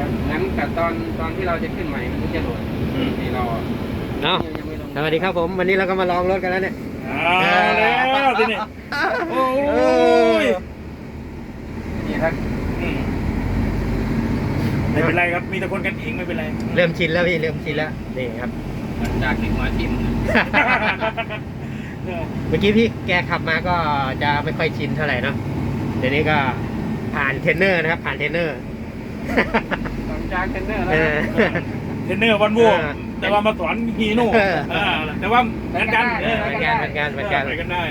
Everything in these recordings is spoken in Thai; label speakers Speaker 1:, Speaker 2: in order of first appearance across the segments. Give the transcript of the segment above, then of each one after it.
Speaker 1: งั้นแต่ตอนที่เราจะขึ้นใหม่มันจะโหลดนี่เรา
Speaker 2: เนาะสวัสดีครับผมวันนี้เราก็มาลองรถกันแล้วเนี่ย
Speaker 3: แล้วทีนี้โอ้ย
Speaker 1: นี่ครับ
Speaker 3: ไม่เป็นไรครับมีแต่คนกันเองไม่เป็นไร
Speaker 2: เริ่มชินแล้วพี่เริ่มชินแล้วนี่ครับ
Speaker 1: จากที่หัวทิ่ม
Speaker 2: เมื่อกี้พี่แกขับมาก็จะไม่ค่อยชินเท่าไหร่เนาะเดี๋ยวนี้ก็ผ่านเทรนเนอร์นะครับผ่านเทรนเนอร์
Speaker 1: จากเทรนเนอร์แล้ว
Speaker 3: เทรนเนอร์วันวัวแต่ว่ามาสอนฮีโน่แต่ว่าเหมือนกัน
Speaker 2: เหมือนกัน
Speaker 3: ไปกันได้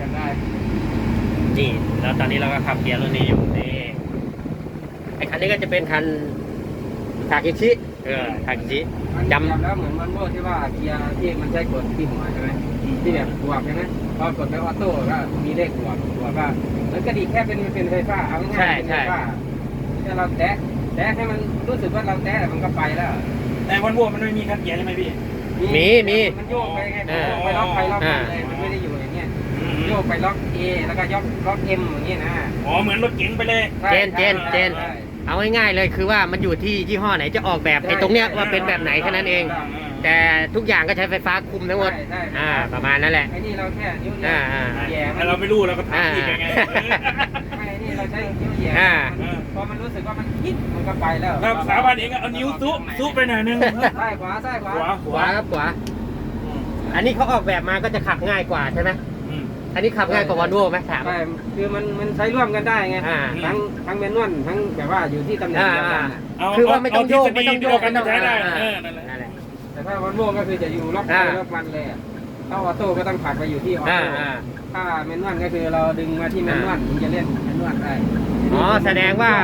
Speaker 2: นี่แล้วตอนนี้เราก็ขับเกียร์รุ่นนี้อยู่นี่ไอ้คันนี้ก็จะเป็นคันทากิชิทากิชิ
Speaker 1: จำแล้วเหมือนมันโม่ที่ว่าเกียร์ที่มันใช้กดที่หัวใช่ไหมที่แบบบวกใช่ไหมพอกดไปออโต้ก็มีเลขบวกก็แล้วก็ดีแค่เป็นไฟฟ้าเอาง่ายๆเป็นไฟฟ้าถ้าเราแตะให้มันรู้สึกว่าเราแตะมันก็ไปแล้ว
Speaker 3: แต่วันวัวมันไม่มีคันเกียร์ใช่ไหมพี่
Speaker 2: มี
Speaker 1: มันโยกไปไงไปล็อกไปล็อกมาเลยมันไม่ได้อยู่อย่างเงี้ยโยกไปล็อก A แล้วก็ล็อก M อย่างเงี้ยนะ
Speaker 3: อ๋อเหมือนรถเก๋งไปเลย
Speaker 2: เจนเอาง่ายๆเลยคือว่ามันอยู่ที่ยี่ห้อไหนจะออกแบบไอ้ตรงเนี้ยว่าเป็นแบบไหนแค่นั้นเองแต่ทุกอย่างก็ใช้ไฟฟ้าคุมทั้งหมดประมาณนั้นแหละ
Speaker 1: ไอ้นี่เราแค่นิ้วแย่
Speaker 3: แต่เราไม่รู้เราก็ทำอีกยังไง
Speaker 1: ไม่นี่เราใช้นิ้วแย่พอมันรู้สึกว่ามันคิดมันก็ไปแล้ว
Speaker 3: ครับสาบานเองเอานิ้วซุไปหน่อยนึง
Speaker 1: ซ้ายขวา
Speaker 2: ครับขวาอันนี้เขาออกแบบมาก็จะขับง่ายกว่าใช่ไหมอันนี้ขับง่ายกว่าวอลโว่ไหมถาม
Speaker 1: คือมันใช้ร่วมกันได้ไงทั้งแมนนวลทั้งแบบว่าอยู่ที่ตำแหน่งเดียวกัน
Speaker 2: คือว่าไม่ต้องโยกไม่ต้อง
Speaker 3: ใช้ได้
Speaker 1: แต่ถ้าวอลโว่ก็คือจะอยู่ล็อกมันเลยถ้าออโต้ก็ต้องผลักไปอยู่ที่ออโต้ถ้าแมนนวลก็คือเราดึงมาที่แมนนวลถึงจะเล่นแมนนวลได้
Speaker 2: แสดงว่า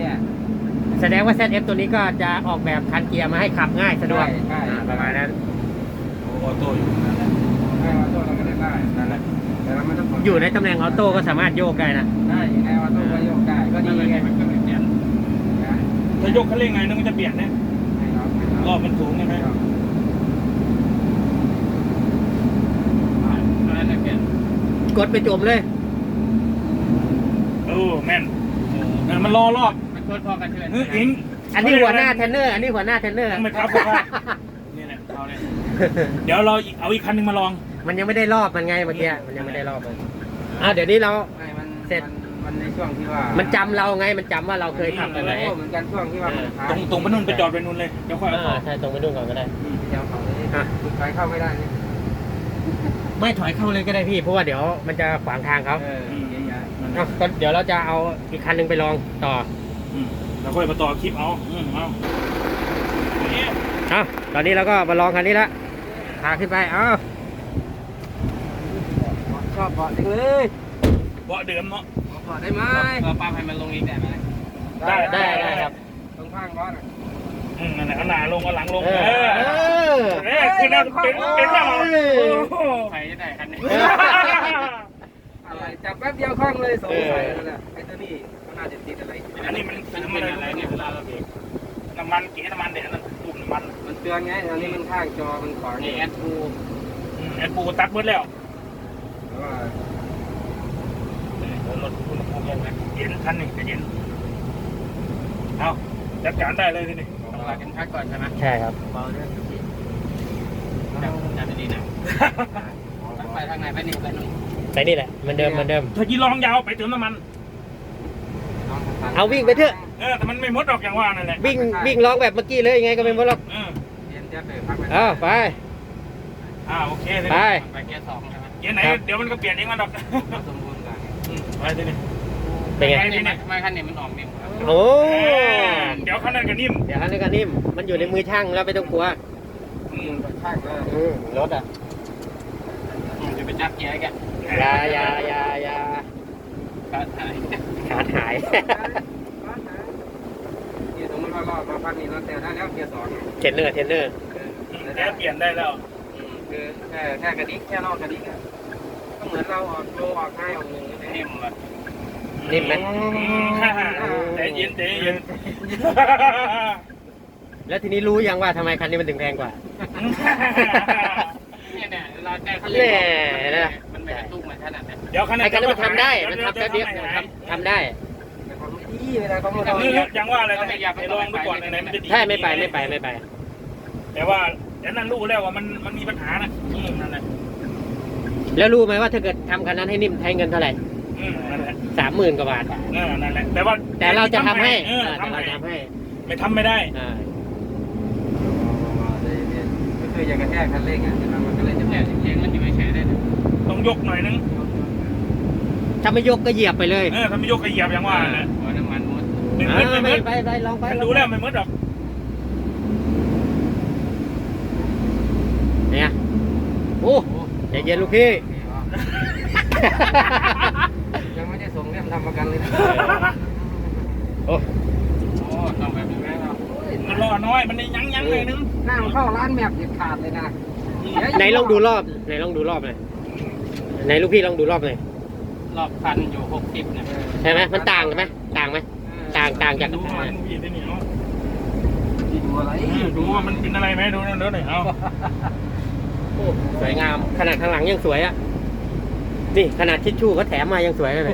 Speaker 2: ZF ตัวนี้ก็จะออกแบบคันเกียร์มาให้ขับง่ายสะดวกประมาณนั้น
Speaker 3: ออโต้อยู่
Speaker 1: นั่นแหละออโต้เราก็ได้นั่นแหละ
Speaker 2: อยู่ในตำแหน่งออโต้ก็สามารถโยกได้นะ
Speaker 1: ได้ในออโต้ก็โยกได้ก็ดีไงมันก็เปลี่ยน
Speaker 3: ถ้ายกคันเร่งไงนึกว่าจะเปลี่ยนเนี่ยรอบมันสูงใช่ไหม
Speaker 2: กดไปจมเลย
Speaker 3: แม่นมันรอรอบ
Speaker 1: มันพอกันเชิญ
Speaker 3: อิง
Speaker 2: อันนี้หัวหน้าเทรนเนอร์ไม่
Speaker 3: ครับนี่แหละเอาเลยเดี๋ยวเราเอาอีกคันนึงมาลอง
Speaker 2: มันยังไม่ได้รอบมันไงเมื่อกี้มันยังไม่ได้รอบเลยเดี๋ยวนี้เราเสร็จ
Speaker 1: มันในช่วงที่ว่า
Speaker 2: มันจำเราไงมันจำว่าเราเคยขับกันไหน
Speaker 1: เหมือนกันช่วงที่ว่า
Speaker 3: ตรงไปนู่นไปจอดไปนู่นเลยเดี๋ยวค่อย
Speaker 2: ใช่ตรงไปนู่นก่อนก็ได้
Speaker 1: เดี๋ยวเขาถอยเข้าไม่ได้นี่
Speaker 2: ไม่ถอยเข้าเลยก็ได้พี่เพราะว่าเดี๋ยวมันจะขวางทางเขาก็เดี๋ยวเราจะเอาอีกคันนึงไปลองต่อ
Speaker 3: แล้วค่อยมาต่อคลิปเอา
Speaker 2: ตอนนี้เราก็มาลองคันนี้ละพาขึ้นไป
Speaker 1: ชอบเบาะจังเลย
Speaker 3: เบาะเดิมเนาะ
Speaker 1: เบาะได้ไหมปั๊มให้มันลงอีกได้ไหม
Speaker 2: ได้ครับ
Speaker 1: ตรงข้างเบาะ
Speaker 3: นั่นแหละเอาหน้าลงเอาหลังลงคือน่าเป็นหน้า
Speaker 1: ใครจะได้คันนี้อะไรจับแป๊บเดียวคล่องเลยสงสัยนั่นแหละไอ้ตัวนี้มันน่าจะติดอะไร
Speaker 3: อันนี้มันเป็นอะไรเนี่ยเวลาเราเบรกน้ำมันเก๋น้ำมันเด็ดนั่นตุ่มน้ำ
Speaker 1: มันเตือนไงอันนี้มันข้างจอมันขวาง
Speaker 3: แอดปูตัดเบิดแล้วรถคุณภูมิเย็นท่านนี่จะเย็นเอาจัดการได้เลยทีนี้
Speaker 1: เรากินพักก่อนใช่ไหม
Speaker 2: ใช่ครับ
Speaker 1: เบาด้วยจับดีนะไปทางไหนไปนี่ไปนู่น
Speaker 2: ไปนี่แหละเหมือนเดิม
Speaker 3: ถ้ากี่ลองยาวไปเติมน้ำมัน
Speaker 2: เอาวิ่งไปเถอะ
Speaker 3: แต่มันไม่มดออกอย่างว่านั่นแหละ
Speaker 2: วิ่งร้องแบบเมื่อกี้เลยยังไงก็ไม่มดหรอกไป
Speaker 3: โอเค
Speaker 1: ไปเกียร์2ใช่ไหม
Speaker 3: เกียร์ไหนเดี๋ยวมันก็เปลี่ยนเองมันหรอก
Speaker 1: สมบูรณ์กัน
Speaker 3: ไปทีนี้
Speaker 2: เป็นไง
Speaker 1: ไม่คันนี้มันออกนิ่ม
Speaker 3: เดี๋ยวคันนั้นก็นิ่ม
Speaker 2: มันอยู่ในมือช่างแล้วไม่ต้องกลัว
Speaker 1: ช่าง
Speaker 2: รถ
Speaker 1: จะไปจับเกียร์แก
Speaker 2: อย่าขาดหาย
Speaker 1: นี่สมมติว่ารอบมาพักนี้เราแต่ได้แล้วเกียร์2
Speaker 2: เทรนเนอร์
Speaker 3: เปลี่ยนได้แล้ว
Speaker 1: คือแค่กระดิกแค่นอกกระดิกก็เหมือนเราออกโลออกง่ายออกหนึ่งนิ่มเลย
Speaker 2: นิ่มไหม
Speaker 3: ใจเย็น
Speaker 2: แล้วทีนี้รู้ยังว่าทำไมคันนี้มันถึงแพงกว่า
Speaker 1: เนี่ยเราใจเขาเลยมันไม่กระตุ้งเหมือนขนาดนั้น
Speaker 3: เดี๋ยวคัน
Speaker 2: นี้มันทำได้มันทำแป๊บเดียวทำได้
Speaker 1: เวลาเขามา
Speaker 3: ยังว่าอะไรนะไปลองไปก่อนไหนมันจะดี
Speaker 2: ใช่ไม่ไป
Speaker 3: แต่ว่าแต่นั้นรู้แล้วว่ามันมีปัญหานะนั่นแหละ
Speaker 2: แล้วรู้ไหมว่าถ้าเกิดทำคันนั้นให้นิ่มใช้เงินเท่าไหร่
Speaker 3: นั่นแหละ
Speaker 2: 30,000 กว่าบาท
Speaker 3: นั่นแหละแต่ว่า
Speaker 2: แต่เราจะทำให้
Speaker 3: ทำ
Speaker 2: เรา
Speaker 3: ให้
Speaker 2: จะทำให้
Speaker 3: ไม่ทำไม่ได้
Speaker 1: ก็คืออยากกระแทกคันเร่งอ่ะมันก็เลยจะแทกเร่งมันอยู่เฉยๆได้
Speaker 3: ต้องยกหน่อยนึง
Speaker 2: ถ้าไม่ยกก็เหยียบไปเลย
Speaker 3: ถ้าไม่ยกก็เหยียบยังว่าเนี่ย
Speaker 1: หัวน้ำมันมด
Speaker 2: ไปลองไป
Speaker 3: ฉันรู้แล้วไม่มืดหรอก
Speaker 2: เนี่ยโอ้ใจเย็นลูกพี่
Speaker 1: ยังไม่ได้ส่งเรื่องทำประกันเลยนะ
Speaker 2: โอ้
Speaker 1: ต้องแบบนี้ไหมครับ
Speaker 3: มันรอน้อยมันยังเลยนึง
Speaker 1: หน้ามันเข้าร้านแมพเด็ดขาดเลยนะ
Speaker 2: ไหนลองดูรอบหน่อยไหนลูกพี่ลองดูรอบหน่อย
Speaker 1: รอบพันอยู่60เนี่ย
Speaker 2: ใช่ไหมมันต่างกันไหมต่างจาก
Speaker 3: ดูมันมีที่นี่เนาะ
Speaker 1: ดูอะไร
Speaker 3: ดูว่ามันเป็นอะไรไหมดูนั่นเด้อหน่อยเอา
Speaker 2: สวยงามขนาดข้างหลังยังสวยอ่ะนี่ขนาดทิชชู่เขาแถมมายังสวยเลย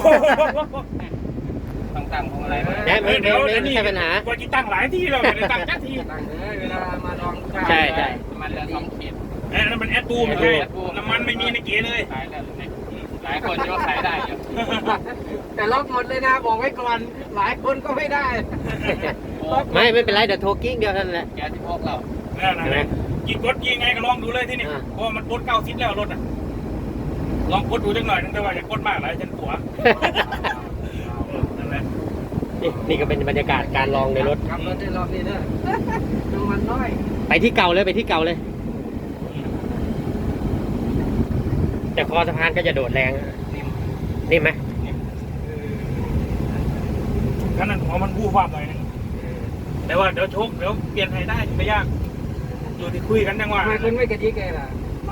Speaker 1: ต้องตั้งของอะไรไหม
Speaker 2: ไม่ใช่ปัญหา
Speaker 3: ว่าจะตั้งหลายที่เราไม่ได้ตั้งแค่ที่
Speaker 1: ตั้งเลยเวลามาลอง
Speaker 2: ใช่
Speaker 1: มันละ2 ขีด
Speaker 3: นั่นมันแอดตูไม่ใช่น้ำมันไม่มีในเก๋เลย
Speaker 1: ขายได้หลายคนก็ขายได้อยู่แต่ล็อกหมดเลยนะบอกไว้ก่อนหลายคนก็ไม่ได้
Speaker 2: ไม่เป็นไรเดี๋ยวโทรกิ้งเดียวเท่านั้นแหละ
Speaker 1: แกที่พกเรา
Speaker 3: นั่นกี่กดกี่ไงก็ลองดูเลยที่นี่เพราะมันกด90แล้วรถอ่ะลองกดดูจังหน่อยนึงแต่ว่าอย่ากดมากหลายฉันกลัวนั่นแหละ
Speaker 2: นี่ก็เป็นบรรยากาศการลองในรถ
Speaker 1: ครับรถได้รอบนี้เด้อน้ำมันน้อย
Speaker 2: ไปที่เก่าเลยแต่คอสะพานก็จะโดดแรงนี่ไหม
Speaker 3: ขนาดหัวมันบู้ฟ้าหน่อยนึงแต่ว่าเดี๋ยวโชคเดี๋ยวเปลี่ยนให้ได้ไม่ยากอยู่ที่คุยกันจังว่า
Speaker 1: ทำไมคุณไม่กระดิกเลยล่ะ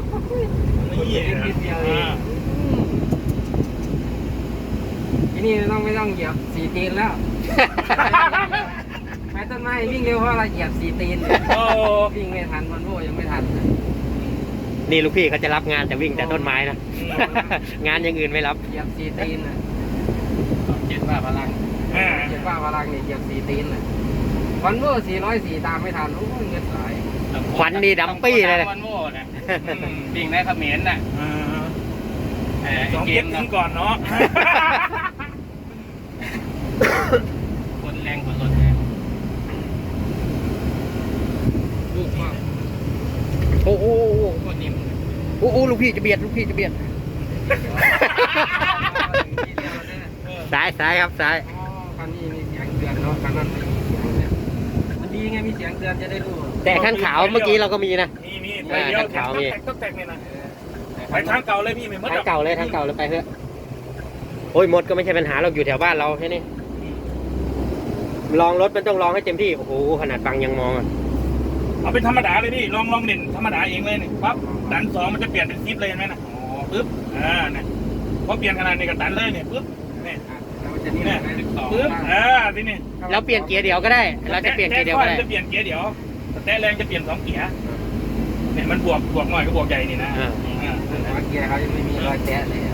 Speaker 1: ทีนี้ไม่ต้องเหยียบ4 ตีนแล้วไม้ต้นไม้วิ่งเร็วเพราะอะไรเหยียบ4 ตีนวิ่งไม่ทันมันโว้ยังไม่ทัน
Speaker 2: นี่ลูกพี่เขาจะรับงานแต่วิ่งแต่ต้นไม้นะ งานอย่างอื่นไม่รับ
Speaker 1: เหยียบ4 ตีนน่ะเจ็ดว่าพลังนี่เหยียบ4 ตีนน่ะวันโว้404ตามไม่ทันโอ้ยเงินหลาย
Speaker 2: ควันนี่ดำปี้เลย
Speaker 1: วันโว้นะวิ่งได้เขมิ้นน่ะ
Speaker 3: 2 เก็บทิ้งก่อนเนาะ
Speaker 1: คนแรงคนรถแรงลูกมาก
Speaker 2: โอ้โห
Speaker 1: คนนิ่ม
Speaker 2: โอ้โหลูกพี่จะเบียดซ้ายครับซ้าย
Speaker 1: คันนี้มีเสียงเตือนเนาะคันนั้นไม่มีเสียงเนี่ยมันดีไงมีเสียงเตือนจะได้รู้
Speaker 2: แต่คันขาวเมื่อกี้เราก็มีนะ
Speaker 3: มีไปเดียวต้องแตกเนี่ยนะไปทางเก่าเลยพี่ไม่มด
Speaker 2: ทางเก่าเลยไปเถอะโอ้ยมดก็ไม่ใช่ปัญหาเราอยู่แถวบ้านเราแค่นี้ลองรถมันต้องลองให้เต็มที่โอ้โหขนาดฟังยังมองอ่ะ
Speaker 3: เอาเป็นธรรมดาเลยพี่ลองเด่นธรรมดาเองเลยนี่ปั๊บดัน2มันจะเปลี่ยนเป็นซิปเลยเห็นไหมนะปึ๊บเนี่ยพอเปลี่ยนขนาดนี้ก็ดันเลยเนี่ยปึ๊บเนี่ยปึ๊บทีนี้
Speaker 2: เราเปลี่ยนเกียร์เดียวก็ได้เราจะเปลี่ยนเกียร์เดียวก็ได้
Speaker 3: จะเปลี่ยนเกียร์เดียวแต่แรงจะเปลี่ยน2 เกียร์เนี่ยมันบวกหน่อยก็บวกใหญ่นี่นะ
Speaker 1: เกียร์เขายังไม่มีรอยแตะเลย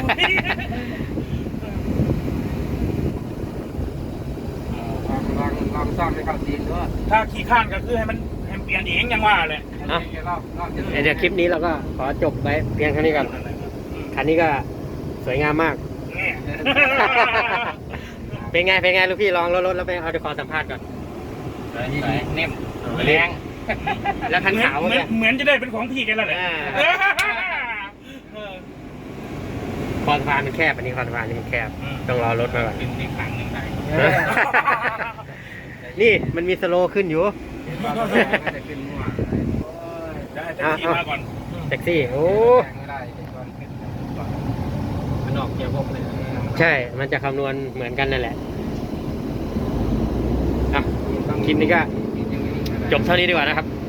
Speaker 1: ลองซ่อมให้เข้าตีนด้วย
Speaker 3: ถ้าขี่ข้างก็คือให้มันเปลี่ยนเองยังว่าเลย
Speaker 2: เดี๋ยวคลิปนี้เราก็ขอจบไว้เพียงแค่นี้ก่อนคันนี้ก็สวยงามมาก เป็นไงลูกพี่ลองรถแล้วไปเอาเดี๋ยวขอสัมภาษณ์ก่อน
Speaker 1: นิ่มแรง
Speaker 2: แล้วคันขาว
Speaker 3: เหมือนจะได้เป็นของพี่กันแล้วแหละ
Speaker 2: คอสะพานมันแคบอันนี้คอสะพานนี่มันแคบต้องรอรถมาก่อน
Speaker 1: ขึ้นอีกครั้งหนึ่งได้
Speaker 2: นี่มันมีสโลว์ขึ้นอยู่
Speaker 1: จะขึ้นมั่ว
Speaker 3: ได้แท็กซี่มาก่อน
Speaker 2: แท็กซี่โอ้
Speaker 1: ไม่ได้ก่อนขึ้นมันออกเกียร์พกเลย
Speaker 2: ใช่มันจะคำนวณเหมือนกันนั่นแหละคลิปนี้ก็จบเท่านี้ดีกว่านะครับ